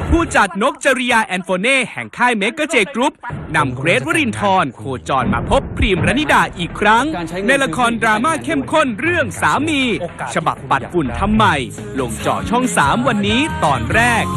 ผู้จัดนกจริยาแอนโฟเน่แห่งค่ายเมกะเจกรุ๊ปนำเกรทวรินทร์โคจรมาพบพรีมรณิดาอีกครั้งในละครดราม่าเข้มข้นเรื่องสามีฉบับปัดฝุ่นทำใหม่ลงจอช่อง 3 วันนี้ตอนแรก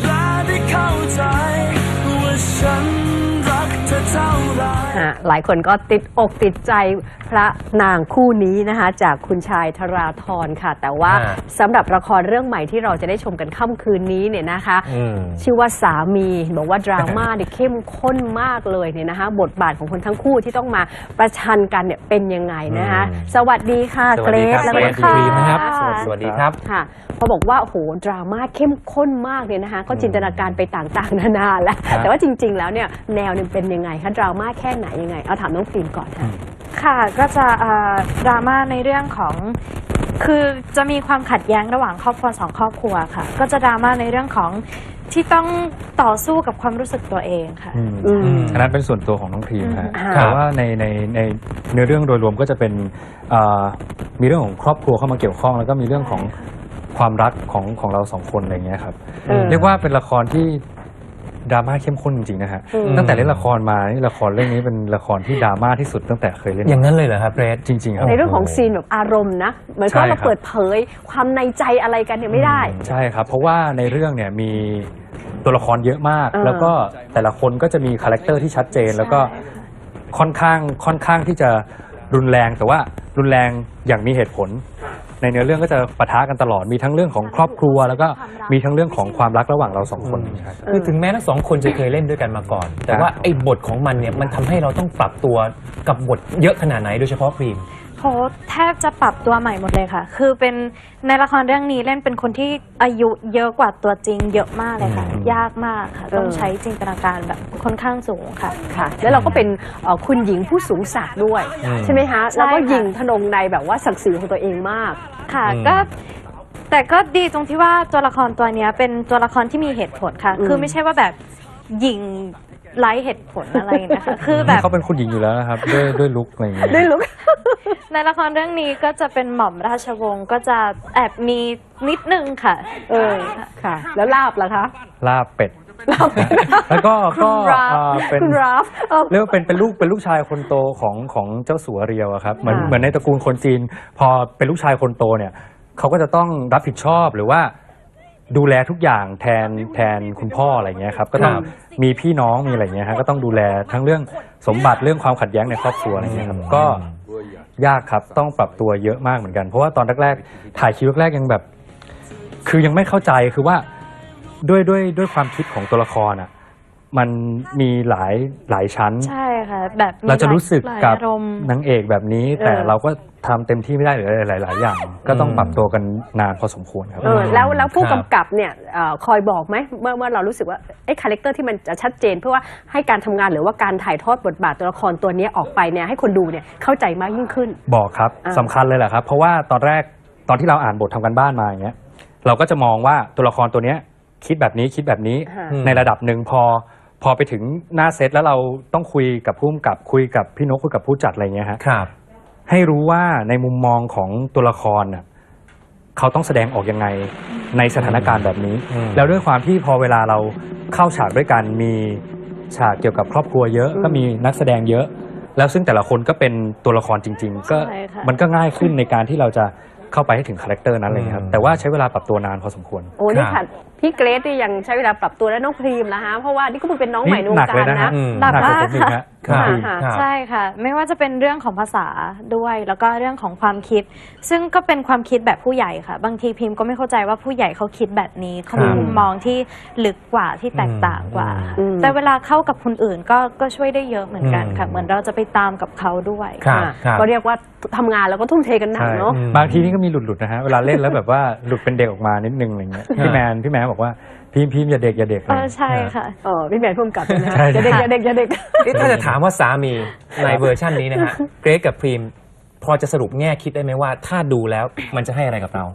หลายคนก็ติดอกติดใจพระนางคู่นี้นะคะจากคุณชายธราธรค่ะแต่ว่าสำหรับละครเรื่องใหม่ที่เราจะได้ชมกันค่ำคืนนี้เนี่ยนะคะชื่อว่าสามีบอกว่าดราม่าเนี่ยเข้มข้นมากเลยเนี่ยนะคะบทบาทของคนทั้งคู่ที่ต้องมาประชันกันเนี่ยเป็นยังไงนะคะสวัสดีค่ะเกรซและคุณครีมนะครับสวัสดีครับค่ะพอบอกว่าโอ้โหดราม่าเข้มข้นมากเนี่ยนะคะก็จินตนาการไปต่างๆนานาแล้วแต่ว่าจริงๆแล้วเนี่ยแนวเนี่ยเป็นยังไงคะดราม่าแค่ไหนยังไงเอาถามน้องฟิล์มก่อนค่ะค่ะก็จะดราม่าในเรื่องของคือจะมีความขัดแย้งระหว่างครอบครัว2 ครอบครัวค่ะก็จะดราม่าในเรื่องของที่ต้องต่อสู้กับความรู้สึกตัวเองค่ะอันนั้นเป็นส่วนตัวของน้องพรีมนะแต่ว่าในเนื้อเรื่องโดยรวมก็จะเป็นมีเรื่องของครอบครัวเข้ามาเกี่ยวข้องแล้วก็มีเรื่องของความรักของเรา2 คนอะไรเงี้ยครับเรียกว่าเป็นละครที่ดราม่าเข้มข้นจริงๆนะฮะตั้งแต่เล่นละครมานี่ละครเรื่องนี้เป็นละครที่ดราม่าที่สุดตั้งแต่เคยเล่นอย่างนั้นเลยเหรอครับเรดจริงๆครับในเรื่องของซีนแบบอารมณ์นะเหมือนก็มาเปิดเผยความในใจอะไรกันเนี่ยไม่ได้ใช่ครับเพราะว่าในเรื่องเนี่ยมีตัวละครเยอะมากแล้วก็แต่ละคนก็จะมีคาแรคเตอร์ที่ชัดเจนแล้วก็ค่อนข้างที่จะรุนแรงแต่ว่ารุนแรงอย่างมีเหตุผลในเนื้อเรื่องก็จะปะทะกันตลอดมีทั้งเรื่องของครอบครัวแล้วก็มีทั้งเรื่องของความรักระหว่างเรา2 คนคือถึงแม้ทั้ง2 คนจะเคยเล่นด้วยกันมาก่อนแต่ว่าไอ้บทของมันเนี่ยมันทำให้เราต้องปรับตัวกับบทเยอะขนาดไหนโดยเฉพาะพรีมโหแทบจะปรับตัวใหม่หมดเลยค่ะคือเป็นในละครเรื่องนี้เล่นเป็นคนที่อายุเยอะกว่าตัวจริงเยอะมากเลยค่ะยากมากค่ะต้องใช้จินตนาการแบบค่อนข้างสูงค่ะค่ะแล้วเราก็เป็นคุณหญิงผู้สูงศักดิ์ด้วยใช่ไหมคะแล้วก็ยิงทนงในแบบว่าศักดิ์ศรีของตัวเองมากค่ะก็แต่ก็ดีตรงที่ว่าตัวละครตัวนี้เป็นตัวละครที่มีเหตุผลค่ะคือไม่ใช่ว่าแบบยิงไร้เหตุผลอะไรนะคะคือแบบเขาเป็นคุณหญิงอยู่แล้วนะครับด้วยลุคอะไรอย่างเงี้ยด้วยลุคในละครเรื่องนี้ก็จะเป็นหม่อมราชวงศ์ก็จะแอบมีนิดนึงค่ะค่ะแล้วลาบล่ะคะลาบเป็ดแล้วก็เป็นเรียกว่าเป็นลูกชายคนโตของเจ้าสัวเรียวครับเหมือนในตระกูลคนจีนพอเป็นลูกชายคนโตเนี่ยเขาก็จะต้องรับผิดชอบหรือว่าดูแลทุกอย่างแทนคุณพ่ออะไรเงี้ยครับก็ต้องมีพี่น้องมีอะไรเงี้ยฮะก็ต้องดูแลทั้งเรื่องสมบัติเรื่องความขัดแย้งในครอบครัวอะไรเงี้ยครับก็ยากครับต้องปรับตัวเยอะมากเหมือนกันเพราะว่าตอนแรกๆถ่ายคิวแรกๆยังแบบคือยังไม่เข้าใจคือว่าด้วยความคิดของตัวละครอ่ะมันมีหลายชั้นใช่ค่ะแบบเราจะรู้สึกกับนางเอกแบบนี้แต่เราก็ทำเต็มที่ไม่ได้หรือหลายอย่างก็ต้องปรับตัวกันนานพอสมควรครับแล้วผู้กำกับเนี่ยคอยบอกไหมเมื่อเรารู้สึกว่าไอ้คาแรคเตอร์ที่มันจะชัดเจนเพื่อว่าให้การทำงานหรือว่าการถ่ายทอดบทบาทตัวละครตัวนี้ออกไปเนี่ยให้คนดูเนี่ยเข้าใจมากยิ่งขึ้นบอกครับสำคัญเลยแหละครับเพราะว่าตอนที่เราอ่านบททำกันบ้านมาอย่างเงี้ยเราก็จะมองว่าตัวละครตัวเนี้ยคิดแบบนี้ในระดับหนึ่งพอไปถึงหน้าเซตแล้วเราต้องคุยกับผู้กำกับคุยกับพี่นกคุยกับผู้จัดอะไรเงี้ยครับให้รู้ว่าในมุมมองของตัวละครน่ะเขาต้องแสดงออกยังไงในสถานการณ์แบบนี้แล้วด้วยความที่พอเวลาเราเข้าฉากด้วยกันมีฉากเกี่ยวกับครอบครัวเยอะก็มีนักแสดงเยอะแล้วซึ่งแต่ละคนก็เป็นตัวละครจริงๆก็มันก็ง่ายขึ้นในการที่เราจะเข้าไปให้ถึงคาแรคเตอร์นั้นเลยครับแต่ว่าใช้เวลาปรับตัวนานพอสมควรโอ้นี่ค่ะพี่เกรซที่ยังใช้เวลาปรับตัวและน้องพรีมนะฮะเพราะว่านี่ก็เป็นน้องใหม่ในวงการนะหนักมากค่ะใช่ค่ะไม่ว่าจะเป็นเรื่องของภาษาด้วยแล้วก็เรื่องของความคิดซึ่งก็เป็นความคิดแบบผู้ใหญ่ค่ะบางทีพิมก็ไม่เข้าใจว่าผู้ใหญ่เขาคิดแบบนี้เขามีมุมมองที่ลึกกว่าที่แตกต่างกว่าแต่เวลาเข้ากับคนอื่นก็ช่วยได้เยอะเหมือนกันค่ะเหมือนเราจะไปตามกับเขาด้วยก็เรียกว่าทำงานแล้วก็ทุ่มเทกันหนักเนาะบางทีนี่ก็มีหลุดนะฮะเวลาเล่นแล้วแบบว่าหลุดเป็นเด็กออกมานิดนึงอะไรเงี้ยพี่แมนบอกว่าพิมอย่าเด็กใช่ค่ะพี่แมนพุ่มกับนะอย่าเด็กถ้าจะถามว่าสามีในเวอร์ชันนี้นะฮะเกรซกับพรีมพอจะสรุปแง่คิดได้ไหมว่าถ้าดูแล้วมันจะให้อะไรกับเรา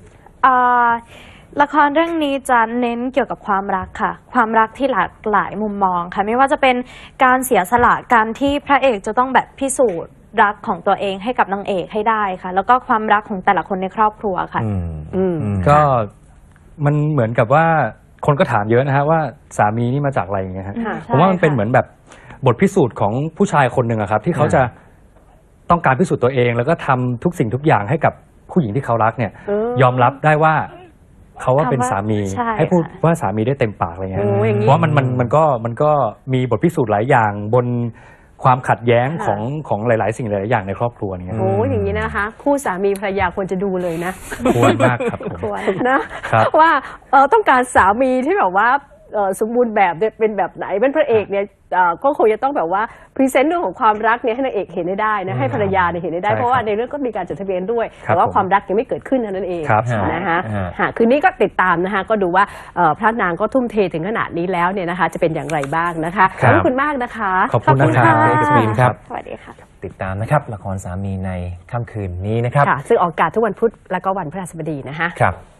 ละครเรื่องนี้จะเน้นเกี่ยวกับความรักค่ะความรักที่หลากหลายมุมมองค่ะไม่ว่าจะเป็นการเสียสละการที่พระเอกจะต้องแบบพิสูจน์รักของตัวเองให้กับนางเอกให้ได้ค่ะแล้วก็ความรักของแต่ละคนในครอบครัวค่ะก็มันเหมือนกับว่าคนก็ถามเยอะนะฮะว่าสามีนี่มาจากอะไรอย่างเงี้ยฮะค่ะผมว่ามันเป็นใช่ค่ะเหมือนแบบบทพิสูจน์ของผู้ชายคนหนึ่งอะครับที่เขาจะต้องการพิสูจน์ตัวเอง แล้วก็ทำทุกสิ่งทุกอย่างให้กับผู้หญิงที่เขารักเนี่ย ยอมรับได้ว่าเขาว่าเป็นสามีใช่ให้พูดค่ะว่าสามีได้เต็มปากอะไรเงี้ยโอ้อย่างนี้เพราะว่ามันก็มีบทพิสูจน์หลายอย่างบนความขัดแย้งค่ะของหลาย ๆ สิ่งหลาย ๆ อย่างในครอบครัวเนี่ยโอ้อย่างนี้นะคะ คู่สามีภรรยาควรจะดูเลยนะควรมากครับผมควรครับว่าต้องการสามีที่แบบว่าสมบูรณ์แบบเนี่ยเป็นแบบไหนเป็นพระเอกเนี่ยก็คงจะต้องแบบว่าพรีเซนต์เรื่องของความรักเนี่ยให้นางเอกเห็นได้นะให้ภรรยาเนี่ยเห็นได้ใช่ครับเพราะว่าในเรื่องก็มีการจดทะเบียนด้วยครับแต่ว่าผมความรักยังไม่เกิดขึ้นเท่านั้นเองครับนะคะฮะคืนนี้ก็ติดตามนะคะก็ดูว่าพระนางก็ทุ่มเทถึงขนาดนี้แล้วเนี่ยนะคะจะเป็นอย่างไรบ้างนะคะขครับอบคุณมากนะคะขอบคุณนะครับขอบเอกณสมินครับสวัสดีค่ะติดตามนะครับละครสามีในค่ำคืนนี้นะครับค่ะซึ่งออกอากาศทุกวันพุธและก็วันพฤหัสบดีนะคะครับ